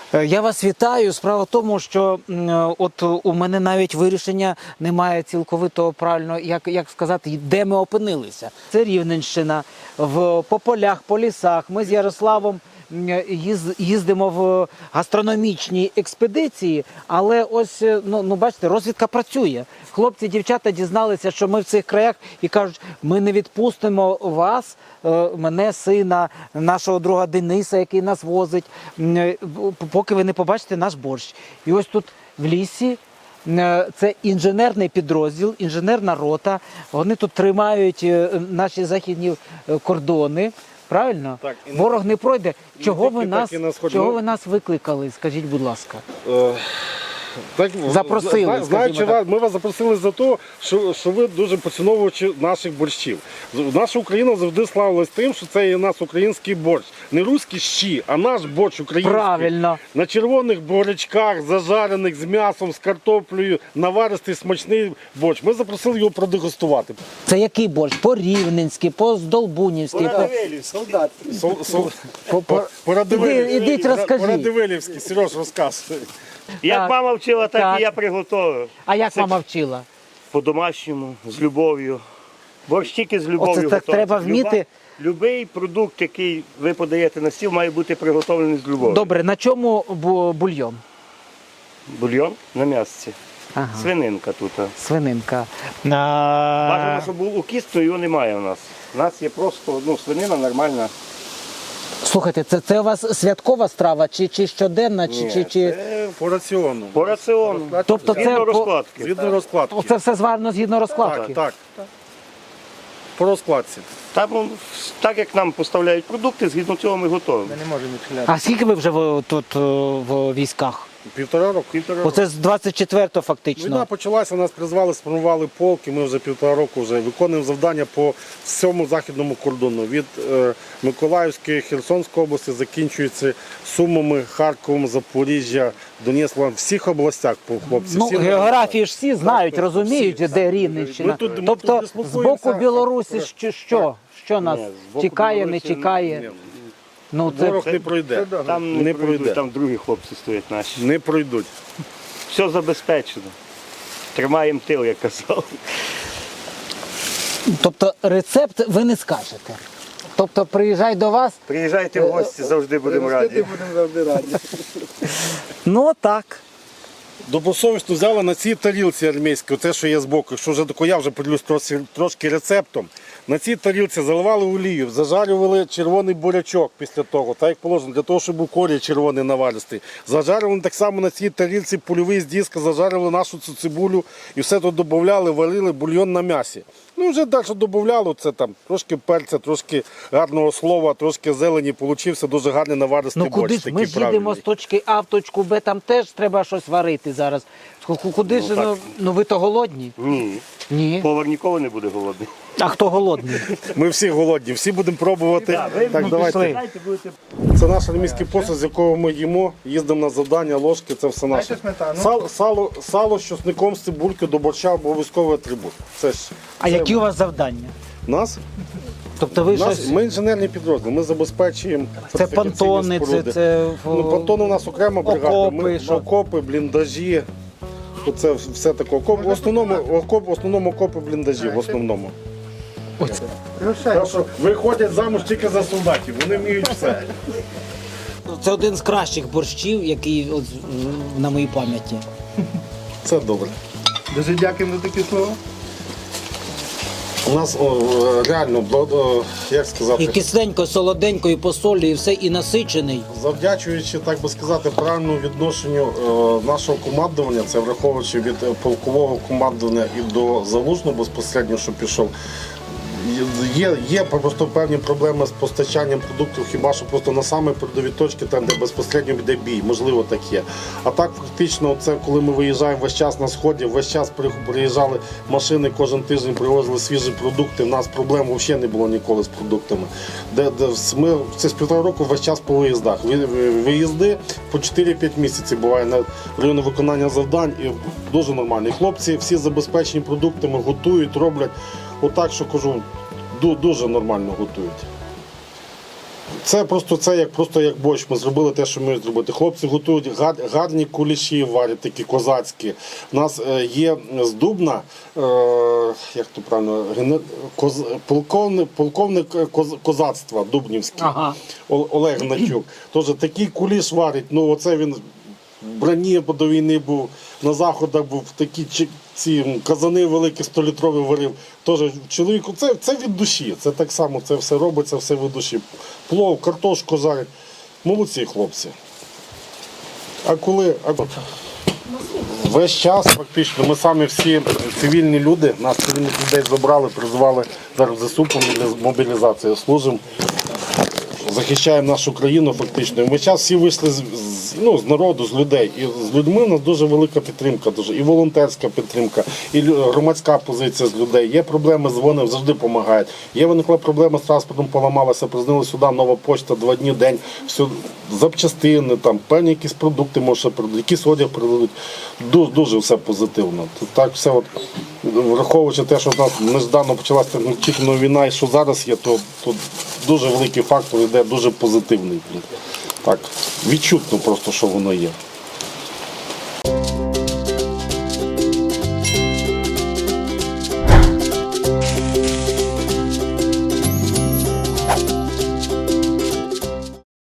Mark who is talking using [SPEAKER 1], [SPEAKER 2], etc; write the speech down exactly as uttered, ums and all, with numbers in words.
[SPEAKER 1] Я вас вітаю. Справа в тому, що от у мене навіть вирішення немає цілковито правильно, як, як сказати, де ми опинилися. Це Рівненщина, в, по полях, по лісах. Ми з Ярославом їздимо в гастрономічні експедиції, але ось, ну, ну бачите, розвідка працює. Хлопці, дівчата дізналися, що ми в цих краях і кажуть, ми не відпустимо вас, мене, сина, нашого друга Дениса, який нас возить, поки ви не побачите наш борщ. І ось тут в лісі це інженерний підрозділ, інженерна рота, вони тут тримають наші західні кордони. Правильно?
[SPEAKER 2] Так,
[SPEAKER 1] ворог не пройде. Чого ви нас,
[SPEAKER 2] нас,
[SPEAKER 1] чого ви нас викликали? Скажіть, будь ласка.
[SPEAKER 2] Е, так,
[SPEAKER 1] Запросили,
[SPEAKER 2] зна- знаючи
[SPEAKER 1] так.
[SPEAKER 2] вас, ми вас запросили за те, що, що ви дуже поціновувачі наших борщів. Наша Україна завжди славилась тим, що це є у нас український борщ. Не руські щі, а наш борщ український.
[SPEAKER 1] Правильно.
[SPEAKER 2] На червоних бурячках, зажарених з м'ясом, з картоплею, наваристий смачний борщ. Ми запросили його продегустувати.
[SPEAKER 1] Це який борщ? По-рівненськи, по-здолбунівськи? По...
[SPEAKER 3] солдат.
[SPEAKER 2] Сол, сол,
[SPEAKER 1] По- по-
[SPEAKER 2] По-радивилівськи.
[SPEAKER 1] Іди- ідіть, розкажіть.
[SPEAKER 2] По-радивилівськи. Сереж, розказуй.
[SPEAKER 3] Як
[SPEAKER 1] Так.
[SPEAKER 3] мама вчила, так,
[SPEAKER 1] Так.
[SPEAKER 3] і я приготував.
[SPEAKER 1] А як
[SPEAKER 3] Це
[SPEAKER 1] мама вчила?
[SPEAKER 3] По-домашньому, з любов'ю. Борщ тільки з любов'ю
[SPEAKER 1] Оце так
[SPEAKER 3] готується.
[SPEAKER 1] треба вміти.
[SPEAKER 3] Любий продукт, який ви подаєте на стіл, має бути приготовлений з любов'ю.
[SPEAKER 1] Добре, на чому бу- бульйон?
[SPEAKER 3] Бульйон на м'ясці.
[SPEAKER 1] Ага.
[SPEAKER 3] Свининка тут.
[SPEAKER 1] Свининка.
[SPEAKER 3] Бажано,
[SPEAKER 1] А...
[SPEAKER 3] щоб був укіс, то його немає у нас. У нас є просто ну, свинина нормальна.
[SPEAKER 1] Слухайте, це, це у вас святкова страва, чи, чи щоденна, чи...
[SPEAKER 3] Ні,
[SPEAKER 1] чи, чи...
[SPEAKER 2] Це по раціону.
[SPEAKER 3] По раціону.
[SPEAKER 1] Тобто це
[SPEAKER 3] Згідно
[SPEAKER 1] по-
[SPEAKER 3] розкладки.
[SPEAKER 2] Згідно розкладки.
[SPEAKER 1] Оце все зварено згідно розкладки?
[SPEAKER 2] Так, так. По розкладці.
[SPEAKER 3] Там, ну, так як нам поставляють продукти, згідно цього ми готуємо.
[SPEAKER 1] А скільки ви вже в, тут е, в військах?
[SPEAKER 2] Півтора року.
[SPEAKER 3] Півтора року.
[SPEAKER 1] Оце з двадцять четвертого фактично.
[SPEAKER 2] Війна почалася, нас призвали, сформували полк, і ми вже півтора року вже виконуємо завдання по всьому західному кордону. Від е, Миколаївської, Херсонської області закінчується Сумами, Харковом, Запоріжжя, Донецьк, в всіх областях, по хлопці.
[SPEAKER 1] Ну,
[SPEAKER 2] всі
[SPEAKER 1] географії ж всі знають,
[SPEAKER 2] так,
[SPEAKER 1] розуміють,
[SPEAKER 2] всі,
[SPEAKER 1] де
[SPEAKER 2] так.
[SPEAKER 1] Рівненщина.
[SPEAKER 2] Ми тут- ми
[SPEAKER 1] тобто
[SPEAKER 2] тут
[SPEAKER 1] з боку
[SPEAKER 2] дислокуємося.
[SPEAKER 1] Білорусі що, що? Що нас
[SPEAKER 3] Ні, з боку
[SPEAKER 1] тікає, не
[SPEAKER 3] Білорусі
[SPEAKER 1] тікає?
[SPEAKER 2] Ні,
[SPEAKER 1] Ну, це...
[SPEAKER 2] Ворог не пройде.
[SPEAKER 3] Там
[SPEAKER 2] Не
[SPEAKER 3] не
[SPEAKER 2] пройде.
[SPEAKER 3] пройдуть, там другі хлопці стоять наші.
[SPEAKER 2] Не пройдуть.
[SPEAKER 3] Все забезпечено. Тримаємо тил, як казав.
[SPEAKER 1] Тобто рецепт ви не скажете. Тобто приїжджай до вас,
[SPEAKER 3] Приїжджайте в гості, завжди будемо раді.
[SPEAKER 1] ну так.
[SPEAKER 2] Добросовісно взяли на цій тарілці армійській, те, що є збоку, якщо вже тако я вже поділюсь трошки, трошки рецептом. На цій тарілці заливали олію, зажарювали червоний бурячок після того, так як положено, для того, щоб був корій червоний наваристий. Зажарювали так само на цій тарілці польовий з диска, зажарювали нашу цю цибулю і все тут додавали, варили бульйон на м'ясі. Ну вже далі додавали, це там трошки перця, трошки гарного слова, трошки зелені, получився дуже гарний наваристий
[SPEAKER 1] Ну куди
[SPEAKER 2] борщ.
[SPEAKER 1] ж ми
[SPEAKER 2] такий
[SPEAKER 1] ж їдемо
[SPEAKER 2] правильний.
[SPEAKER 1] з точки А в точку Б, там теж треба щось варити зараз. Ку- Куди ж,
[SPEAKER 3] так.
[SPEAKER 1] ну, ну ви то голодні?
[SPEAKER 3] Ні.
[SPEAKER 1] Ні.
[SPEAKER 3] Повар ніколи не буде голодний.
[SPEAKER 1] А хто голодний?
[SPEAKER 2] Ми всі голодні, всі будемо пробувати. Так,
[SPEAKER 1] ну,
[SPEAKER 2] давайте.
[SPEAKER 1] пішли.
[SPEAKER 3] будете...
[SPEAKER 2] Це наш армійський посуд, з якого ми їмо, їздимо на завдання, ложки, це все наше. Сало, сало, сало з чесником, з цибулькою до борща обов'язковий атрибут. Це ж
[SPEAKER 1] А
[SPEAKER 2] це
[SPEAKER 1] які у вас завдання?
[SPEAKER 2] нас,
[SPEAKER 1] Тобто ви
[SPEAKER 2] нас
[SPEAKER 1] щось...
[SPEAKER 2] ми інженерний підрозділ, ми забезпечуємо
[SPEAKER 1] Це
[SPEAKER 2] фортифікаційні
[SPEAKER 1] понтони, це...
[SPEAKER 2] споруди.
[SPEAKER 1] це...
[SPEAKER 2] Ну, понтони у нас окрема бригада.
[SPEAKER 1] окопи,
[SPEAKER 2] Ми,
[SPEAKER 1] що?
[SPEAKER 2] окопи, бліндажі. Оце все таке. Окоп, в основному, окоп, в основному окопи, бліндажі, в основному. Так що виходять замуж тільки за солдатів, вони вміють все.
[SPEAKER 1] Це один з кращих борщів, який от, на моїй пам'яті.
[SPEAKER 2] Це добре.
[SPEAKER 4] Дуже дякуємо за такі слова.
[SPEAKER 2] У нас о, реально, о, як сказати,
[SPEAKER 1] І кисленько, солоденько, і по солі, і все, і насичений.
[SPEAKER 2] завдячуючи, так би сказати, правильному відношенню е, нашого командування, це враховуючи від е, полкового командування і до залужного безпосередньо, що пішов, є, є просто певні проблеми з постачанням продуктів, хіба що просто на саме передові точки, там, де безпосередньо йде бій, можливо, так є. А так, фактично, це коли ми виїжджаємо весь час на сході, весь час при- приїжджали машини, кожен тиждень привозили свіжі продукти, в нас проблем взагалі не було ніколи з продуктами. Де, де ми це з півтора року весь час по виїздах. Ви- ви- Виїзди по чотири-п'ять місяців буває на районі виконання завдань, і дуже нормально. І хлопці всі забезпечені продуктами, готують, роблять. Отак, що кажу, ду- дуже нормально готують. Це просто це як просто як борщ. Ми зробили те, що ми зробити. Хлопці готують гар, гарні куліші, варять такі козацькі. У нас е, є з Дубна, е, як то правильно, ген- коз, полковник, полковник коз, козацтва Дубнівський,
[SPEAKER 1] Ага.
[SPEAKER 2] О- Олег Гнатюк. Тож такий куліш варить. Ну оце він в броні до війни був, на заходах був, такі чи- ці казани великі столітрові варив. Тож чоловіку, це, це від душі. Це так само, це все робиться, все від душі. Плов, картошку жарять. Молодці хлопці. А коли а... весь час практично ми самі всі цивільні люди, нас цивільних людей забрали, призвали зараз в ЗСУ по мобілізації, служимо. Захищаємо нашу країну фактично. І ми зараз всі вийшли з, з, ну, з народу, з людей. І з людьми у нас дуже велика підтримка, дуже. І волонтерська підтримка, і лю- громадська позиція з людей. Є проблеми, дзвонив, завжди допомагають. Є виникла проблема з транспортом, поламалася, признали сюди, нова почта, два дні, день, все, запчастини, там, певні якісь продукти, може, придадуть, якісь одяг придадуть. Дуже, дуже все позитивно. Тут так все, от, враховуючи те, що в нас неждано почалася неочікувана війна, і що зараз є, то, то дуже великий фактор йде, дуже позитивний. Так, відчутно просто, що воно є.